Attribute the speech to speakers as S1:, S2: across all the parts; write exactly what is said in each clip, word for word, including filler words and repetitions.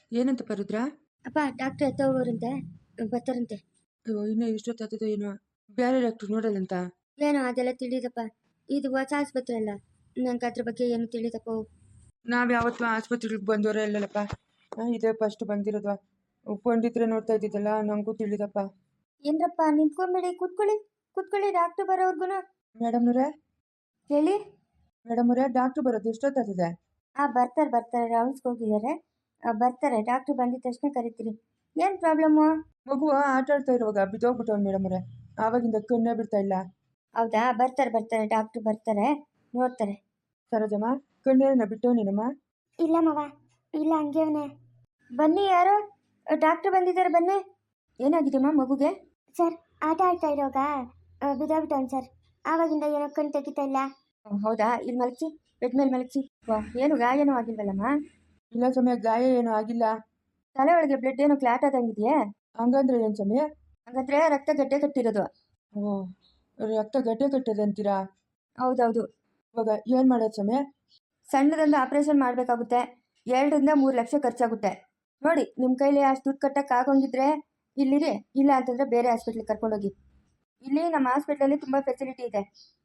S1: ಏನಂತಪ್ಪ ರುದ್ರ?
S2: ಅಪ್ಪ ಡಾಕ್ಟ್ರ್ ಎತ್ತ ಹೋಗೋರಂತೆ, ಬರ್ತಾರಂತೆ.
S1: ಅಯ್ಯೋ, ಇನ್ನೂ ಇಷ್ಟೊತ್ತಾಗ್ತದೆ ಏನೋ. ಬೇರೆ ಡಾಕ್ಟ್ರು ನೋಡಲ್ಲಂತ?
S2: ಏನೋ ಅದೆಲ್ಲ ತಿಳಿದಪ್ಪ. ಇದು ಹೊಸ ಆಸ್ಪತ್ರೆ ಅಲ್ಲ, ನಂಗೆ ಅದ್ರ ಬಗ್ಗೆ ಏನು ತಿಳಿದಪ್ಪ.
S1: ನಾವು ಯಾವತ್ತೂ ಆಸ್ಪತ್ರೆಗೆ ಬಂದವರೇ ಇಲ್ಲಲ್ಲಪ್ಪ, ಇದೇ ಫಸ್ಟ್ ಬಂದಿರೋದು. ಪಂಡಿತ್ರೆ ನೋಡ್ತಾ ಇದ್ದಿದ್ದಲ್ಲ, ನನಗೂ ತಿಳಿದಪ್ಪ.
S2: ಏನ್ರಪ್ಪ ನಿಂತ್ಕೊಂಬೇಡಿ, ಕೂತ್ಕೊಳ್ಳಿ ಕೂತ್ಕೊಳ್ಳಿ, ಡಾಕ್ಟ್ರು ಬರೋರ್ಗುನು.
S1: ಮೇಡಮ್ನವ್ರೆ
S2: ಹೇಳಿ
S1: ಮೇಡಮ್ನವ್ರೆ, ಡಾಕ್ಟ್ರು ಬರೋದು ಎಷ್ಟೊತ್ತಾಗ್ತದೆ?
S2: ಹಾಂ ಬರ್ತಾರೆ ಬರ್ತಾರೆ, ರೌಂಡ್ಸ್ಗೆ ಹೋಗಿದ್ದಾರೆ. ಆ, ಬರ್ತಾರೆ. ಡಾಕ್ಟ್ರು ಬಂದಿದ ತಕ್ಷಣ ಕರಿತೀರಿ. ಏನು ಪ್ರಾಬ್ಲಮ್ಮು?
S1: ಮಗು ಆಟ ಆಡ್ತಾ ಇರುವಾಗ ಬಿದ್ದೋಗ್ಬಿಟ್ಟವ್ನು ಮೇಡಮ್ನವ್ರೆ, ಆವಾಗಿಂದ ಕಣ್ಣೇ ಬಿಡ್ತಾ ಇಲ್ಲ.
S2: ಹೌದಾ, ಬರ್ತಾರೆ ಬರ್ತಾರೆ, ಡಾಕ್ಟ್ರು ಬರ್ತಾರೆ, ನೋಡ್ತಾರೆ.
S1: ಸರೋಜಮ್ಮ, ಕಣ್ಣೇನ ಬಿಟ್ಟವನೇನಮ್ಮ?
S2: ಇಲ್ಲ ಮವ, ಇಲ್ಲ ಹಂಗೆ ಅವನೇ. ಬನ್ನಿ, ಯಾರು ಡಾಕ್ಟ್ರು ಬಂದಿದ್ದಾರೆ, ಬನ್ನಿ. ಏನಾಗಿದೆಯಮ್ಮ ಮಗುಗೆ? ಸರ್, ಆಟ ಆಡ್ತಾ ಇರೋವಾಗ ಬಿದ್ದೋಗ್ಬಿಟ್ಟವನು ಸರ್, ಆವಾಗಿಂದ ಏನೋ ಕಣ್ಣು ತೆಗಿತಾ ಇಲ್ಲ. ಹೌದಾ, ಇಲ್ಲಿ ಮಲಗಿಸಿ, ಬೆಡ್ ಮೇಲೆ ಮಲಗಿಸಿ. ಏನು ಗಾಯನೂ ಆಗಿಲ್ವಲ್ಲಮ್ಮ?
S1: ಇಲ್ಲ ಸಮಯ, ಗಾಯ ಏನೂ ಆಗಿಲ್ಲ.
S2: ತಲೆ ಒಳಗೆ ಬ್ಲಡ್ ಏನೋ ಕ್ಲಾಟ್ ಆದಂಗಿದೆಯೇ?
S1: ಹಂಗಂದ್ರೆ ಏನು ಸಮಯ?
S2: ಹಂಗಂದ್ರೆ ರಕ್ತ ಗಡ್ಡೆ ಕಟ್ಟಿರೋದು.
S1: ಓ, ರಕ್ತ ಗಡ್ಡೆ ಕಟ್ಟದೆ ಅಂತೀರಾ?
S2: ಹೌದೌದು.
S1: ಇವಾಗ ಏನು ಮಾಡೋದು ಸಮಯ?
S2: ಸಣ್ಣದೊಂದು ಆಪರೇಷನ್ ಮಾಡಬೇಕಾಗುತ್ತೆ. ಎರಡರಿಂದ ಮೂರು ಲಕ್ಷ ಖರ್ಚಾಗುತ್ತೆ. ನೋಡಿ, ನಿಮ್ಮ ಕೈಲಿ ಅಷ್ಟು ದುಡ್ಡು ಕಟ್ಟಕ್ಕೆ ಆಗೋಂಗಿದ್ರೆ ಇಲ್ಲಿರಿ, ಇಲ್ಲ ಅಂತಂದರೆ ಬೇರೆ ಹಾಸ್ಪಿಟ್ಲಿಗೆ ಕರ್ಕೊಂಡೋಗಿ. ಇಲ್ಲಿ ನಮ್ಮ ಹಾಸ್ಪಿಟ್ಲಲ್ಲಿ ತುಂಬ ಫೆಸಿಲಿಟಿ ಇದೆ.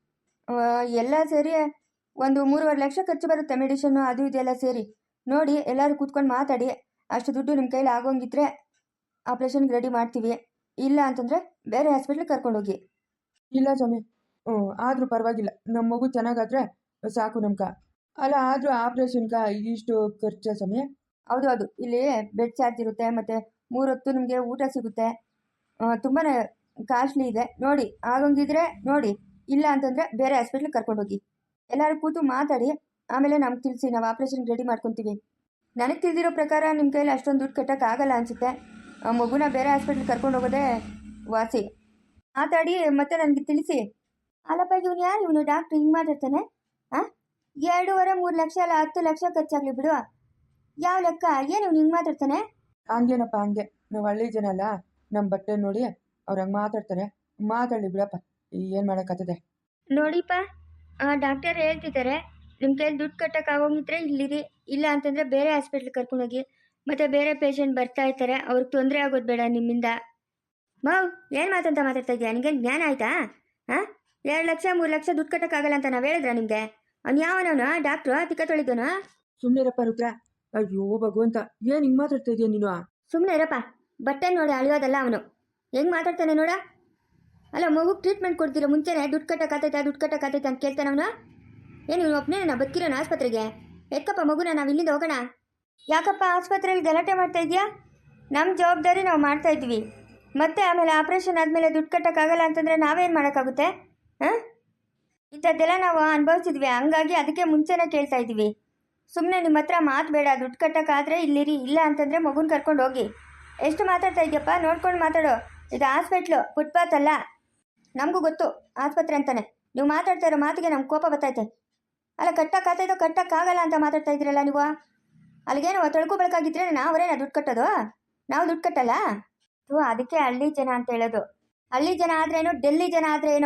S2: ಎಲ್ಲ ಸೇರಿ ಒಂದು ಮೂರುವರೆ ಲಕ್ಷ ಖರ್ಚು ಬರುತ್ತೆ, ಮೆಡಿಷನ್ನು ಅದು ಇದೆಲ್ಲ ಸೇರಿ. ನೋಡಿ, ಎಲ್ಲರೂ ಕೂತ್ಕೊಂಡು ಮಾತಾಡಿ, ಅಷ್ಟು ದುಡ್ಡು ನಿಮ್ಮ ಕೈಲಿ ಆಗೋಂಗಿದ್ರೆ ಆಪ್ರೇಷನ್ಗೆ ರೆಡಿ ಮಾಡ್ತೀವಿ. ಇಲ್ಲ ಅಂತಂದರೆ ಬೇರೆ ಹಾಸ್ಪಿಟ್ಲಿಗೆ ಕರ್ಕೊಂಡೋಗಿ.
S1: ಇಲ್ಲ ಸ್ವಾಮಿ, ಹ್ಞೂ ಆದರೂ ಪರವಾಗಿಲ್ಲ, ನಮ್ಮ ಮಗು ಚೆನ್ನಾಗಾದ್ರೆ ಸಾಕು ನಮ್ಗೆ. ಅಲ್ಲ, ಆದರೂ ಆಪ್ರೇಷನ್ಗೆ ಇಷ್ಟು ಖರ್ಚು ಸ್ವಾಮಿ?
S2: ಹೌದು ಹೌದು, ಇಲ್ಲಿ ಬೆಡ್ ಚಾರ್ಜ್ ಇರುತ್ತೆ, ಮತ್ತು ಮೂರೊತ್ತು ನಿಮಗೆ ಊಟ ಸಿಗುತ್ತೆ. ತುಂಬಾ ಕಾಸ್ಟ್ಲಿ ಇದೆ. ನೋಡಿ, ಆಗೋಂಗಿದ್ರೆ ನೋಡಿ, ಇಲ್ಲ ಅಂತಂದರೆ ಬೇರೆ ಹಾಸ್ಪಿಟ್ಲಿಗೆ ಕರ್ಕೊಂಡೋಗಿ. ಎಲ್ಲರೂ ಕೂತು ಮಾತಾಡಿ ಆಮೇಲೆ ನಮ್ಗೆ ತಿಳಿಸಿ, ನಾವು ಆಪ್ರೇಷನ್ಗೆ ರೆಡಿ ಮಾಡ್ಕೊತೀವಿ. ನನಗೆ ತಿಳಿದಿರೋ ಪ್ರಕಾರ ನಿಮ್ಮ ಕೈಲಿ ಅಷ್ಟೊಂದು ದುಡ್ಡು ಕಟ್ಟೋಕ್ಕಾಗಲ್ಲ ಅನಿಸುತ್ತೆ. ಮಗುನ ಬೇರೆ ಹಾಸ್ಪಿಟ್ಲಿಗೆ ಕರ್ಕೊಂಡು ಹೋಗೋದೇ ವಾಸಿ. ಮಾತಾಡಿ ಮತ್ತೆ ನನಗೆ ತಿಳಿಸಿ. ಅಲ್ಲಪ್ಪ, ಇವನು ಯಾರು ಇವನು? ಡಾಕ್ಟ್ರು ಹಿಂಗೆ ಮಾತಾಡ್ತಾನೆ? ಹಾಂ, ಎರಡೂವರೆ ಮೂರು ಲಕ್ಷ ಅಲ್ಲ, ಹತ್ತು ಲಕ್ಷ ಖರ್ಚಾಗಲಿ ಬಿಡು. ಯಾವ ಲೆಕ್ಕ? ಏನು ಇವ್ನು ಹಿಂಗೆ ಮಾತಾಡ್ತಾನೆ?
S1: ಹಂಗೇನಪ್ಪ, ಹಂಗೆ ನಾವು ಹಳ್ಳಿ ಜನ ಅಲ್ಲ, ನಮ್ಮ ಬಟ್ಟೆ ನೋಡಿ ಅವ್ರು ಹಂಗೆ ಮಾತಾಡ್ತಾರೆ. ಮಾತಾಡಲಿ ಬಿಡಪ್ಪ, ಏನು ಮಾಡೋಕ್ಕಾಗ್ತದೆ.
S2: ನೋಡಿಪ್ಪ, ಡಾಕ್ಟರ್ ಹೇಳ್ತಿದ್ದಾರೆ, ನಿಮ್ಮ ಕೈಲಿ ದುಡ್ಡು ಕಟ್ಟೋಕ್ಕಾಗೋಗಿದ್ರೆ ಇಲ್ಲಿರಿ, ಇಲ್ಲ ಅಂತಂದರೆ ಬೇರೆ ಹಾಸ್ಪಿಟ್ಲಿಗೆ ಕರ್ಕೊಂಡೋಗಿ. ಮತ್ತು ಬೇರೆ ಪೇಷಂಟ್ ಬರ್ತಾ ಇರ್ತಾರೆ, ಅವ್ರಿಗೆ ತೊಂದರೆ ಆಗೋದು ಬೇಡ ನಿಮ್ಮಿಂದ. ಮಾವ್, ಏನು ಮಾತಂತ ಮಾತಾಡ್ತಾ ಇದೆಯಾ? ನಿನಗೇನು ಜ್ಞಾನ ಆಯಿತಾ? ಹಾಂ, ಎರಡು ಲಕ್ಷ ಮೂರು ಲಕ್ಷ ದುಡ್ಡು ಕಟ್ಟೋಕ್ಕಾಗಲ್ಲ ಅಂತ ನಾವು ಹೇಳಿದ್ರ ನಿಮಗೆ? ಅವ್ನು ಯಾವನವನು? ಡಾಕ್ಟ್ರು ತಿಕ್ಕ ತೊಳಿದೋನು?
S1: ಸುಮ್ಮನಿರಪ್ಪ ರುದ್ರ. ಅಯ್ಯೋ ಭಗವಂತ, ಏನು ಹಿಂಗೆ ಮಾತಾಡ್ತಾ ಇದೆಯಾ ನೀನು?
S2: ಸುಮ್ಮನೆ ಇರಪ್ಪ, ಬಟ್ಟೆ ನೋಡಿ ಅಳಿಯೋದಲ್ಲ ಅವನು. ಹೆಂಗೆ ಮಾತಾಡ್ತಾನೆ ನೋಡ. ಅಲ್ಲ, ಮಗುಗೆ ಟ್ರೀಟ್ಮೆಂಟ್ ಕೊಡ್ತೀರ ಮುಂಚೆನೇ ದುಡ್ಡು ಕಟ್ಟೋಕ್ಕಾತೈತೆ ದುಡ್ಡು ಕಟ್ಟೋಕ್ಕಾತೈತೆ ಅಂತ ಕೇಳ್ತಾನೆ ಅವನು. ಏನು ಇವನು ಒಬ್ಬನೇ ನಾ ಬದುಕಿರೋಣ ಆಸ್ಪತ್ರೆಗೆ? ಎಕ್ಕಪ್ಪ ಮಗುನ, ನಾವು ಇಲ್ಲಿಂದ ಹೋಗೋಣ. ಯಾಕಪ್ಪ ಆಸ್ಪತ್ರೆಯಲ್ಲಿ ಗಲಾಟೆ ಮಾಡ್ತಾ ಇದೆಯಾ? ನಮ್ಮ ಜವಾಬ್ದಾರಿ ನಾವು ಮಾಡ್ತಾ ಇದ್ವಿ. ಮತ್ತೆ ಆಮೇಲೆ ಆಪ್ರೇಷನ್ ಆದಮೇಲೆ ದುಡ್ಡು ಕಟ್ಟೋಕ್ಕಾಗಲ್ಲ ಅಂತಂದರೆ ನಾವೇನು ಮಾಡೋಕ್ಕಾಗುತ್ತೆ? ಹಾಂ, ಇಂಥದ್ದೆಲ್ಲ ನಾವು ಅನುಭವಿಸಿದ್ವಿ, ಹಂಗಾಗಿ ಅದಕ್ಕೆ ಮುಂಚೆನೇ ಕೇಳ್ತಾ ಇದ್ದೀವಿ. ಸುಮ್ಮನೆ ನಿಮ್ಮ ಹತ್ರ ಮಾತು ಬೇಡ. ದುಡ್ಡು ಕಟ್ಟೋಕ್ಕಾದರೆ ಇಲ್ಲಿರಿ, ಇಲ್ಲ ಅಂತಂದರೆ ಮಗುನ ಕರ್ಕೊಂಡು ಹೋಗಿ. ಎಷ್ಟು ಮಾತಾಡ್ತಾ ಇದೆಯಪ್ಪ? ನೋಡ್ಕೊಂಡು ಮಾತಾಡೋ. ಇದು ಹಾಸ್ಪಿಟ್ಲು, ಫುಟ್ಪಾತ್ ಅಲ್ಲ. ನಮಗೂ ಗೊತ್ತು ಆಸ್ಪತ್ರೆ ಅಂತಾನೆ. ನೀವು ಮಾತಾಡ್ತಾ ಇರೋ ಮಾತಿಗೆ ನಮ್ಗೆ ಕೋಪ ಬರ್ತೈತೆ. ಅಲ್ಲ, ಕಟ್ಟೋಕ್ಕಾಗ್ತೈತೋ ಕಟ್ಟೋಕ್ಕಾಗಲ್ಲ ಅಂತ ಮಾತಾಡ್ತಾ ಇದ್ದೀರಲ್ಲ ನೀವು. ಅಲ್ಲಿಗೇನು ತೊಳ್ಕೊ ಬೆಳಕಾಗಿದ್ರೆ ನಾವರೇನ ದುಡ್ಡು ಕಟ್ಟೋದು? ನಾವು ದುಡ್ಡು ಕಟ್ಟಲ್ಲ. ಹ್ಞೂ, ಅದಕ್ಕೆ ಹಳ್ಳಿ ಜನ ಅಂತ ಹೇಳೋದು. ಹಳ್ಳಿ ಜನ ಆದ್ರೇನು, ಡೆಲ್ಲಿ ಜನ ಆದ್ರೇನು?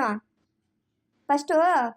S2: ಫಸ್ಟು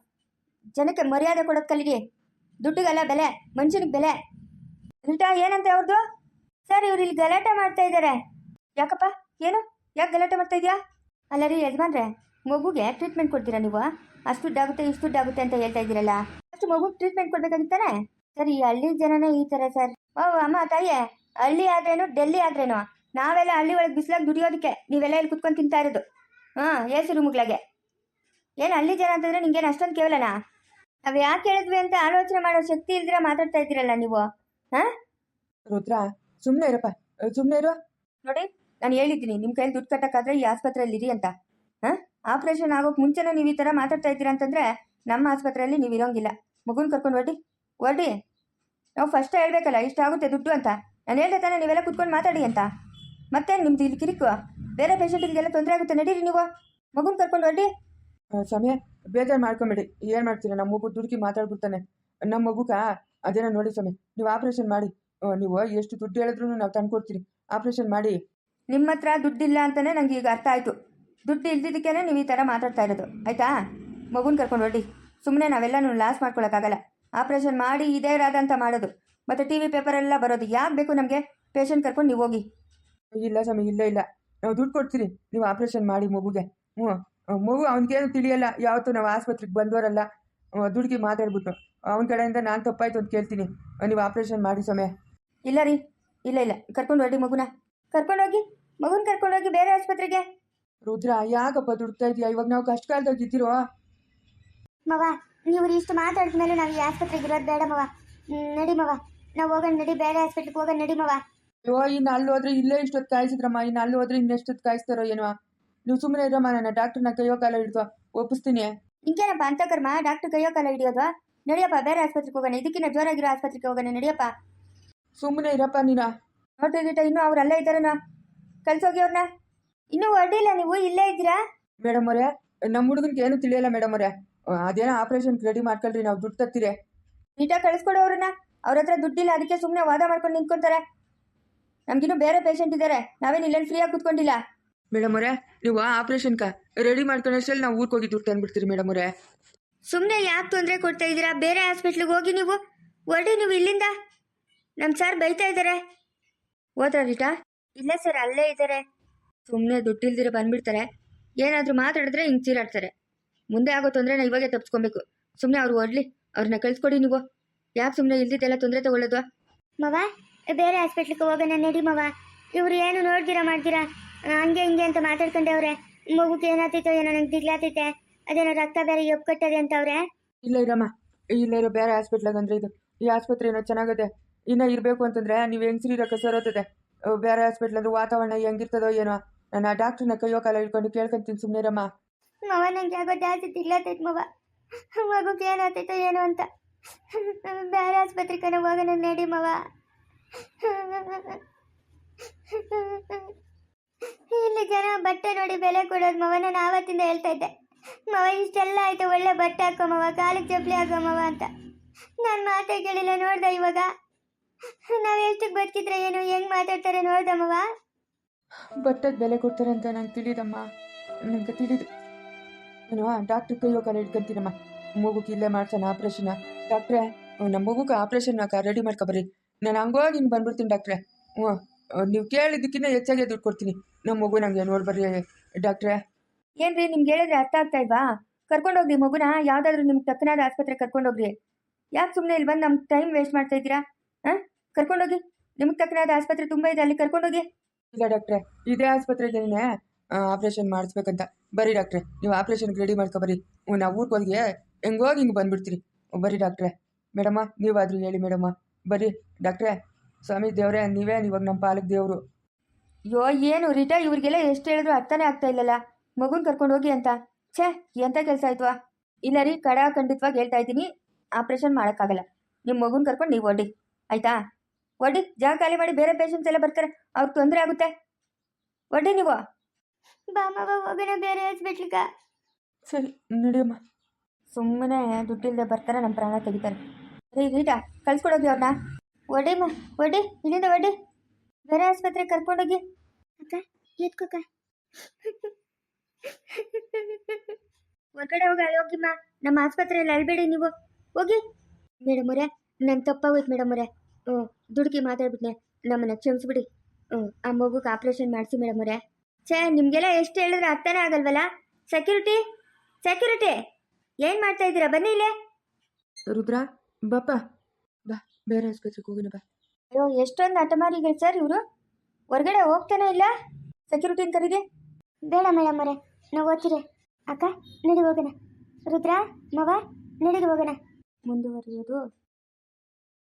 S2: ಜನಕ್ಕೆ ಮರ್ಯಾದೆ ಕೊಡೋದು ಕಲೀರಿ. ದುಡ್ಡಿಗೆಲ್ಲ ಬೆಲೆ, ಮನುಷ್ಯನಿಗೆ ಬೆಲೆ. ಉಲ್ಟಾ ಏನಂತೆ ಅವ್ರದ್ದು? ಸರ್, ಇವ್ರು ಇಲ್ಲಿ ಗಲಾಟೆ ಮಾಡ್ತಾ ಇದ್ದಾರೆ. ಯಾಕಪ್ಪ, ಏನು? ಯಾಕೆ ಗಲಾಟೆ ಮಾಡ್ತಾ ಇದೆಯಾ? ಅಲ್ಲ ರೀ ಯಜಮಾನ್ರೆ, ಮಗುಗೆ ಟ್ರೀಟ್ಮೆಂಟ್ ಕೊಡ್ತೀರಾ ನೀವು? ಅಷ್ಟು ದುಡ್ಡಾಗುತ್ತೆ ಇಷ್ಟು ದುಡ್ಡಾಗುತ್ತೆ ಅಂತ ಹೇಳ್ತಾ ಇದ್ದೀರಲ್ಲ, ಅಷ್ಟು ಮಗುಗೆ ಟ್ರೀಟ್ಮೆಂಟ್ ಕೊಡ್ಬೇಕಾಗಿತ್ತಾನೆ? ಸರ್, ಈ ಹಳ್ಳಿ ಜನನೇ ಈ ಥರ ಸರ್. ಓ ಅಮ್ಮ ತಾಯಿಯೇ, ಹಳ್ಳಿ ಆದ್ರೇನು ಡೆಲ್ಲಿ ಆದ್ರೇನು, ನಾವೆಲ್ಲ ಹಳ್ಳಿ ಒಳಗೆ ಬಿಸಿಲಾಗಿ ದುಡಿಯೋದಕ್ಕೆ ನೀವೆಲ್ಲ ಇಲ್ಲಿ ಕುತ್ಕೊಂಡು ತಿಂತಾ ಇರೋದು. ಹಾಂ, ಏಸು ರೂಮ್ಗಳಾಗೆ. ಏನು ಹಳ್ಳಿ ಜನ ಅಂತಂದರೆ ನಿಂಗೇನು ಅಷ್ಟೊಂದು ಕೇವಲನಾ? ನಾವು ಯಾಕೆ ಹೇಳಿದ್ವಿ ಅಂತ ಆಲೋಚನೆ ಮಾಡೋ ಶಕ್ತಿ ಇಲ್ದಿರ ಮಾತಾಡ್ತಾ ಇದ್ದೀರಲ್ಲ ನೀವು. ಹಾಂ
S1: ರುದ್ರ, ಸುಮ್ಮನೆ ಇರಪ್ಪ, ಸುಮ್ಮನೆ ಇರು.
S2: ನೋಡಿ, ನಾನು ಹೇಳಿದ್ದೀನಿ ನಿಮ್ಮ ಕೈಯಲ್ಲಿ ದುಡ್ಡು ಕಟ್ಟೋಕ್ಕಾದ್ರೆ ಈ ಆಸ್ಪತ್ರೆಯಲ್ಲಿ ಇರಿ ಅಂತ. ಹಾಂ, ಆಪ್ರೇಷನ್ ಆಗೋಕೆ ಮುಂಚೆನೇ ನೀವು ಈ ಥರ ಮಾತಾಡ್ತಾ ಇದ್ದೀರಾ ಅಂತಂದರೆ ನಮ್ಮ ಆಸ್ಪತ್ರೆಯಲ್ಲಿ ನೀವು ಇರೋಂಗಿಲ್ಲ. ಮಗುನ ಕರ್ಕೊಂಡು ಹೊರಡಿ ಹೊರಡಿ. ನಾವು ಫಸ್ಟ್ ಹೇಳಬೇಕಲ್ಲ ಇಷ್ಟಾಗುತ್ತೆ ದುಡ್ಡು ಅಂತ. ನಾನು ಹೇಳ್ದೆ ತಾನೇ ನೀವೆಲ್ಲ ಕುತ್ಕೊಂಡು ಮಾತಾಡಿ ಅಂತ. ಮತ್ತೆ ನಿಮ್ದು ಇಲ್ಲಿ ಕಿರಿಕು, ಬೇರೆ ಪೇಷಂಟಿಗೆಲ್ಲ ತೊಂದರೆ ಆಗುತ್ತೆ. ನಡೀರಿ ನೀವು, ಮಗುನ ಕರ್ಕೊಂಡು ಹೊರಡಿ.
S1: ಸಮಯ ಬೇಜಾರು ಮಾಡ್ಕೊಂಬೇಡಿ. ಏನು ಮಾಡ್ತೀರಾ, ನಮ್ಮ ಮಗು ದುಡುಕಿ ಮಾತಾಡ್ಬಿಡ್ತಾನೆ. ನಮ್ಮ ಮಗುಗ ಅದೇನೋ ನೋಡಿ ಸಮಯ, ನೀವು ಆಪ್ರೇಷನ್ ಮಾಡಿ. ನೀವು ಎಷ್ಟು ದುಡ್ಡು ಹೇಳಿದ್ರು ನಾವು ತಂದು ಕೊಡ್ತೀರಿ, ಆಪ್ರೇಷನ್ ಮಾಡಿ.
S2: ನಿಮ್ಮ ಹತ್ರ ದುಡ್ಡಿಲ್ಲ ಅಂತಲೇ ನನಗೆ ಈಗ ಅರ್ಥ ಆಯಿತು. ದುಡ್ಡು ಇಲ್ದಿದ್ದಕ್ಕೇ ನೀವು ಈ ಥರ ಮಾತಾಡ್ತಾ ಇರೋದು, ಆಯಿತಾ? ಮಗುನ ಕರ್ಕೊಂಡು ಹೊರಡಿ. ಸುಮ್ಮನೆ ನಾವೆಲ್ಲನೂ ಲಾಸ್ ಮಾಡ್ಕೊಳಕ್ಕಾಗಲ್ಲ. ಆಪ್ರೇಷನ್ ಮಾಡಿ ಇದೇ ರಾದ ಅಂತ ಮಾಡೋದು. ಮತ್ತು ಟಿ ವಿ ಪೇಪರೆಲ್ಲ ಬರೋದು ಯಾಕೆ ಬೇಕು ನಮಗೆ ಪೇಷಂಟ್ ಕರ್ಕೊಂಡು ನೀವು ಹೋಗಿ.
S1: ಇಲ್ಲ ಸ್ವಾಮಿ, ಇಲ್ಲ ಇಲ್ಲ, ನಾವು ದುಡ್ಡು ಕೊಡ್ತೀರಿ, ನೀವು ಆಪ್ರೇಷನ್ ಮಾಡಿ ಮಗುಗೆ. ಹ್ಞೂ, ಮಗು ಅವ್ನಿಗೇನು ತಿಳಿಯಲ್ಲ, ಯಾವತ್ತೂ ನಾವು ಆಸ್ಪತ್ರೆಗೆ ಬಂದವರಲ್ಲ. ದುಡ್ಡಿಗೆ ಮಾತಾಡ್ಬಿಟ್ಟು ಅವನ ಕಡೆಯಿಂದ ನಾನು ತಪ್ಪಾಯ್ತು ಅಂತ ಕೇಳ್ತೀನಿ. ನೀವು ಆಪ್ರೇಷನ್ ಮಾಡಿ ಸ್ವಾಮಿ.
S2: ಇಲ್ಲ ರೀ, ಇಲ್ಲ ಇಲ್ಲ, ಕರ್ಕೊಂಡು ಹೊರಡಿ ಮಗುನ, ಕರ್ಕೊಂಡೋಗಿ ಮಗುನ ಕರ್ಕೊಂಡೋಗಿ ಬೇರೆ ಆಸ್ಪತ್ರೆಗೆ.
S1: ರುದ್ರ, ಯಾಕಪ್ಪ ದುಡ್ತಾ ಇದೆಯಾ? ಇವಾಗ ನಾವು ಕಷ್ಟ ಕಾಲದಾಗ ಇದ್ದೀರೋ.
S3: ಮವ, ನೀವು ಇಷ್ಟು ಮಾತಾಡಿದ್ಮೇಲೆ ನಾವು ಈ ಆಸ್ಪತ್ರೆಗೆ ಇರೋದು ಬೇಡ ಮವ. ಹ್ಮ್, ನಡಿ ಮವ, ನಾವು ಹೋಗೋಣ, ನಡಿ, ಬೇರೆ ಹಾಸ್ಪಿಟ್ಲಿಗೆ ಹೋಗೋಣ, ನಡಿ ಮವ.
S1: ಅಯ್ಯೋ, ಇನ್ನು ಅಲ್ಲಿ ಹೋದ್ರೆ ಇಲ್ಲೇ ಇಷ್ಟೊತ್ತು ಕಾಯಿಸಿದ್ರಮ್ಮ, ಇನ್ನು ಅಲ್ಲಿ ಹೋದ್ರೆ ಇನ್ನೆಷ್ಟೊತ್ತು ಕಾಯಿಸ್ತಾರೋ ಏನೋ. ನೀವು ಸುಮ್ಮನೆ ಇರಮ್ಮ, ನನ್ನ ಡಾಕ್ಟರ್ನ ಕೈಯೋ ಕಾಲ ಹಿಡಿದು ಒಪ್ಪಿಸ್ತೀನಿ.
S2: ಹಿಂಗೇನಪ್ಪ ಅಂತ ಕರ್ಮ, ಡಾಕ್ಟರ್ ಕೈಯೋ ಕಾಲ ಹಿಡಿಯೋದು? ನಡಿಯಪ್ಪ, ಬೇರೆ ಆಸ್ಪತ್ರೆಗೆ ಹೋಗೋಣ, ಇದಕ್ಕಿನ್ನ ಜೋರಾಗಿರೋ ಆಸ್ಪತ್ರೆಗೆ ಹೋಗೋಣ, ನಡಿಯಪ್ಪ.
S1: ಸುಮ್ಮನೆ ಇರಪ್ಪ ನೀನು.
S2: ನೋಡ್ರಿ ಗೀಟ, ಇನ್ನೂ ಅವ್ರು ಅಲ್ಲೇ ಇದ್ದಾರೇನೋ, ಕಳ್ಸೋಗಿ ಅವ್ರನ್ನ. ಇನ್ನೂ ಹೊರಡಿಲ್ಲ, ನೀವು ಇಲ್ಲೇ ಇದ್ದೀರಾ?
S1: ಮೇಡಮ್ ಅವರೇ, ನಮ್ಮ ಹುಡುಗನಿಗೆ ಏನು ತಿಳಿಯಲ್ಲ ಮೇಡಮ್ ಅವರೇ. ಅದೇನೋ ಆಪ್ರೇಷನ್ ರೆಡಿ ಮಾಡ್ಕೊಳ್ರಿ, ನಾವು ದುಡ್ಡು ತತ್ತೀರಿ.
S2: ನೀಟಾಗಿ ಕಳಿಸ್ಕೊಡು ಅವ್ರನ್ನ. ಅವ್ರ ಹತ್ರ ದುಡ್ಡಿಲ್ಲ, ಅದಕ್ಕೆ ಸುಮ್ಮನೆ ವಾದ ಮಾಡ್ಕೊಂಡು ನಿಂತ್ಕೊಂತಾರೆ. ನಮ್ಗಿನ್ನೂ ಬೇರೆ ಪೇಷಂಟ್ ಇದ್ದಾರೆ, ನಾವೇನು ಇಲ್ಲೇನು ಫ್ರೀಯಾಗಿ ಕೂತ್ಕೊಂಡಿಲ್ಲ.
S1: ಮೇಡಮ್ ಅವರೇ, ನೀವು ಆಪ್ರೇಷನ್ಕ ರೆಡಿ ಮಾಡ್ಕೊಂಡಷ್ಟಲ್ಲಿ ನಾವು ಊರಿಗೆ ಹೋಗಿ ದುಡ್ಡು ತಂದ್ಬಿಡ್ತೀರಿ ಮೇಡಮ್ ಅವರೇ.
S2: ಸುಮ್ಮನೆ ಯಾಕೆ ತೊಂದರೆ ಕೊಡ್ತಾ ಇದ್ದೀರಾ? ಬೇರೆ ಹಾಸ್ಪಿಟ್ಲಿಗೆ ಹೋಗಿ ನೀವು, ಹೊರಡಿ ನೀವು ಇಲ್ಲಿಂದ. ನಮ್ಮ ಸರ್ ಬೈತಾ ಇದ್ದಾರೆ. ಹೋದ್ರ ರೀಟಾ? ಇಲ್ಲ ಸರ್, ಅಲ್ಲೇ ಇದ್ದಾರೆ. ಸುಮ್ಮನೆ ದುಡ್ಡಿಲ್ದಿರ ಬಂದ್ಬಿಡ್ತಾರೆ, ಏನಾದರೂ ಮಾತಾಡಿದ್ರೆ ಹಿಂಗೆ ಚೀರಾಡ್ತಾರೆ. ಮುಂದೆ ಆಗೋ ತೊಂದರೆನ ಇವಾಗೆ ತಪ್ಪಿಸ್ಕೊಬೇಕು. ಸುಮ್ಮನೆ ಅವ್ರು ಹೊರಡ್ಲಿ, ಅವ್ರನ್ನ ಕಳಿಸ್ಕೊಡಿ ನೀವು. ಯಾಕೆ ಸುಮ್ಮನೆ ಇಲ್ದಿದ್ದೆಲ್ಲ ತೊಂದರೆ ತಗೊಳ್ಳೋದು?
S3: ಮವ, ಬೇರೆ ಹಾಸ್ಪಿಟ್ಲಿಗೆ ಹೋಗೋಣ, ನಡಿ ಮವ. ಇವ್ರು ಏನು ನೋಡ್ದಿರಾ ಮಾಡ್ತೀರಾ, ಹಂಗೆ ಹಿಂಗೆ ಅಂತ ಮಾತಾಡ್ಕೊಂಡವ್ರೆ. ಮಗುಗೆ ಏನಾಗ್ತೈತೋ ಏನೋ, ನಂಗೆ ದಿಗ್ಲಾತೈತೆ, ಅದೇನೋ ರಕ್ತ ಬೇರೆ ಎಪ್ ಕಟ್ಟದೆ ಅಂತವ್ರೆ.
S1: ಇಲ್ಲ ಇರಮ್ಮ, ಇಲ್ಲ ಇರೋ ಬೇರೆ ಹಾಸ್ಪಿಟ್ಲಾಗ ಅಂದ್ರೆ ಇದು ಈ ಆಸ್ಪತ್ರೆ ಏನೋ ಚೆನ್ನಾಗದೆ. ಇನ್ನೂ ಇರಬೇಕು ಅಂತಂದ್ರೆ ನೀವು ಹೆಂಗ್ಸ್ರಿ ರೊಕ್ಕ ಸರೋತದೆ. ಬೇರೆ ಹಾಸ್ಪಿಟ್ಲ್ ಅಂದ್ರೆ ವಾತಾವರಣ ಹೆಂಗಿರ್ತದೋ ಏನೋ. ನಾನು ಆ ಡಾಕ್ಟ್ರನ್ನ ಕೈಯೋ ಕಾಲ ಹಿಡ್ಕೊಂಡು ಕೇಳ್ಕೊಂತೀನಿ, ಸುಮ್ಮನೆ ಇರಮ್ಮ.
S3: ಮವ, ನಂಗೆ ಯಾಕೋ ಜಾಸ್ತಿ ದಿಗ್ಲಾತೈತೆ ಮವ. ಮಗುಗೆ ಏನಾಗ್ತೈತೋ ಏನೋ ಅಂತ. ಬೇರೆ ಆಸ್ಪತ್ರೆಗೆ ಹೋಗೋಣ, ನಡಿ ಮವ. ಇಲ್ಲಿ ಜನ ಬಟ್ಟೆ ನೋಡಿ ಬೆಲೆ ಕೊಡೋದು ಮವ. ನಾನು ಆವತ್ತಿಂದ ಹೇಳ್ತಾ ಇದ್ದೆ, ಮವ ಇಷ್ಟೆಲ್ಲ ಆಯ್ತು, ಒಳ್ಳೆ ಬಟ್ಟೆ ಹಾಕೋ ಮವ, ಕಾಲಿಗೆ ಚಪ್ಪಲಿ ಹಾಕೋ ಮವ ಅಂತ. ನಾನು ಮಾತೇ ಕೇಳಿಲ್ಲ, ನೋಡ್ದ ಇವಾಗ ನಾವು ಎಷ್ಟಕ್ಕೆ ಬದುಕಿದ್ರೆ ಏನು, ಹೆಂಗ್ ಮಾತಾಡ್ತಾರೆ ನೋಡ್ದ ಮವ.
S1: ಬಟ್ಟೆಗೆ ಬೆಲೆ ಕೊಡ್ತಾರೆ ಅಂತ ನಂಗೆ ತಿಳಿದಮ್ಮ, ನಂಗೆ ತಿಳಿದು. ನಾನು ಡಾಕ್ಟ್ರ್ ಕೈಯೋ ಕಾಲ ಹಿಡ್ಕೊಂತೀನಮ್ಮ. ಮಗುಗೆ ಇಲ್ಲೇ ಮಾಡ್ಸೋಣ ಆಪ್ರೇಷನ್. ಡಾಕ್ಟ್ರೇ, ನಮ್ಮ ಮಗುಗೆ ಆಪ್ರೇಷನ್ ರೆಡಿ ಮಾಡ್ಕೊಬರ್ರಿ. ನಾನು ಹಂಗೋಗಿ ಹಿಂಗೆ ಬಂದ್ಬಿಡ್ತೀನಿ ಡಾಕ್ಟ್ರೇ. ಹ್ಞೂ, ನೀವು ಕೇಳಿದ್ದಕ್ಕಿಂತ ಹೆಚ್ಚಾಗೆ ದುಡ್ಡು ಕೊಡ್ತೀನಿ. ನಮ್ಮ ಮಗು ನಂಗೆ ನೋಡ್ಬರ್ರಿ ಡಾಕ್ಟ್ರೇ.
S2: ಏನ್ರಿ, ನಿಮ್ಗೆ ಹೇಳಿದ್ರೆ ಅರ್ಥ ಆಗ್ತಾ ಇಲ್ವಾ? ಕರ್ಕೊಂಡೋಗ್ರಿ ಮಗುನ, ಯಾವುದಾದ್ರೂ ನಿಮ್ಗೆ ತಕ್ಕನಾದ ಆಸ್ಪತ್ರೆಗೆ ಕರ್ಕೊಂಡೋಗ್ರಿ. ಯಾಕೆ ಸುಮ್ಮನೆ ಇಲ್ಲಿ ಬಂದು ನಮ್ಗೆ ಟೈಮ್ ವೇಸ್ಟ್ ಮಾಡ್ತಾ ಇದ್ದೀರಾ? ಹಾಂ, ಕರ್ಕೊಂಡೋಗಿ. ನಿಮ್ಗೆ ತಕ್ಕನಾದ ಆಸ್ಪತ್ರೆ ತುಂಬ ಇದೆ, ಅಲ್ಲಿ ಕರ್ಕೊಂಡೋಗಿ.
S1: ಇಲ್ಲ ಡಾಕ್ಟ್ರೇ, ಇದೇ ಆಸ್ಪತ್ರೆಗೇನೆ ಆಪ್ರೇಷನ್ ಮಾಡಿಸ್ಬೇಕಂತ. ಬರ್ರಿ ಡಾಕ್ಟ್ರೇ, ನೀವು ಆಪ್ರೇಷನ್ಗೆ ರೆಡಿ ಮಾಡ್ಕೊಬರ್ರಿ. ಹ್ಞೂ, ನಾವು ಊರಿಗೆ ಹೋಗಿ ಹೆಂಗೋಗಿ ಹಿಂಗೆ ಬಂದುಬಿಡ್ತೀರಿ. ಬರ್ರಿ ಡಾಕ್ಟ್ರೇ. ಮೇಡಮ್ಮ, ನೀವಾದರೂ ಹೇಳಿ ಮೇಡಮ್ಮ. ಬರ್ರಿ ಡಾಕ್ಟ್ರೇ. ಸ್ವಾಮಿ ದೇವರೇ, ನೀವೇ ಇವಾಗ ನಮ್ಮ ಪಾಲಕ್ ದೇವರು.
S2: ಅಯ್ಯೋ, ಏನು ರೀಟಾ, ಇವ್ರಿಗೆಲ್ಲ ಎಷ್ಟು ಹೇಳಿದ್ರು ಅರ್ಥನೇ ಆಗ್ತಾ ಇಲ್ಲಲ್ಲ, ಮಗುನ ಕರ್ಕೊಂಡು ಹೋಗಿ ಅಂತ. ಛೇ, ಎಂಥ ಕೆಲಸ ಆಯ್ತವಾ? ಇಲ್ಲ ರೀ, ಕಡ ಖಂಡಿತವಾಗಿ ಹೇಳ್ತಾ ಇದ್ದೀನಿ, ಆಪ್ರೇಷನ್ ಮಾಡೋಕ್ಕಾಗಲ್ಲ. ನಿಮ್ಮ ಮಗುನ ಕರ್ಕೊಂಡು ನೀವು ಒಡ್ಡಿ, ಆಯಿತಾ? ಒಡ್ಡಿ, ಜಾಗ ಖಾಲಿ ಮಾಡಿ, ಬೇರೆ ಪೇಷಂಟ್ಸ್ ಎಲ್ಲ ಬರ್ತಾರೆ, ಅವ್ರಿಗೆ ತೊಂದರೆ ಆಗುತ್ತೆ. ಒಡ್ಡಿ ನೀವು.
S3: ಬಾ ಮವ, ಹೋಗೋಣ ಬೇರೆ ಹಾಸ್ಪಿಟ್ಲಿಗೆ.
S1: ಸರಿ, ನಡಿಯಮ್ಮ.
S2: ಸುಮ್ಮನೆ ದುಡ್ಡಿಲ್ಲದೆ ಬರ್ತಾರೆ, ನಮ್ಮ ಪ್ರಾಣ ತೆಗಿತಾರೆ. ರೀ ರೀಟಾ, ಕಳ್ಸ್ಕೊಡೋಗಿ ಅವ್ರನ್ನ. ಒಡಿಮ್ಮ, ಒಡಿ, ಇಲ್ಲಿಂದ ಒಡಿ, ಬೇರೆ ಆಸ್ಪತ್ರೆಗೆ ಕರ್ಕೊಂಡೋಗಿ.
S3: ಅಕ್ಕ, ಎತ್ಕೋಕ.
S2: ಹೊರಗಡೆ ಹೋಗಿ ಅಲ್ಲೋಗಿಮ್ಮ, ನಮ್ಮ ಆಸ್ಪತ್ರೆಯಲ್ಲಿ ಅಳ್ಬೇಡಿ ನೀವು, ಹೋಗಿ. ಮೇಡಮ್ ಅವರೇ, ನನ್ನ ತಪ್ಪಾಗೋಯ್ತು ಮೇಡಮ್ ಅವರೇ. ಹ್ಞೂ, ದುಡುಕಿ ಮಾತಾಡ್ಬಿಟ್ನೆ, ನಮ್ಮನ್ನ ಕ್ಷಮಿಸ್ಬಿಡಿ. ಹ್ಞೂ, ಆ ಮಗುಗೆ ಆಪ್ರೇಷನ್ ಮಾಡಿಸಿ ಮೇಡಮ್ ಅವರೇ. ಛೇ, ನಿಮಗೆಲ್ಲ ಎಷ್ಟು ಹೇಳಿದ್ರೆ ಅರ್ಥನೇ ಆಗಲ್ವಲ್ಲ? ಸೆಕ್ಯೂರಿಟಿ, ಸೆಕ್ಯೂರಿಟಿ, ಏನು ಮಾಡ್ತಾ ಇದ್ದೀರಾ? ಬನ್ನಿ ಇಲ್ಲೇ.
S1: ರುದ್ರ, ಬಾಪ ಬಾ, ಬೇರೆ ಆಸ್ಪತ್ರೆಗೆ ಹೋಗೋಣ ಬಾ.
S2: ಅಯ್ಯೋ, ಎಷ್ಟೊಂದು ಹಠಮಾರಿಗಳು ಸರ್ ಇವರು, ಹೊರಗಡೆ ಹೋಗ್ತಾನೆ ಇಲ್ಲ. ಸೆಕ್ಯೂರಿಟಿನ ಕರೀರಿ.
S3: ಬೇಡ ಮೇಡಮ್ ಅವರೇ, ನಾವು ಓದ್ತೀರಿ. ಅಕ್ಕ, ನಡಿ ಹೋಗೋಣ. ರುದ್ರ, ಮವ, ನಡಿಗೆ ಹೋಗೋಣ.
S2: ಮುಂದುವರಿಯೋದು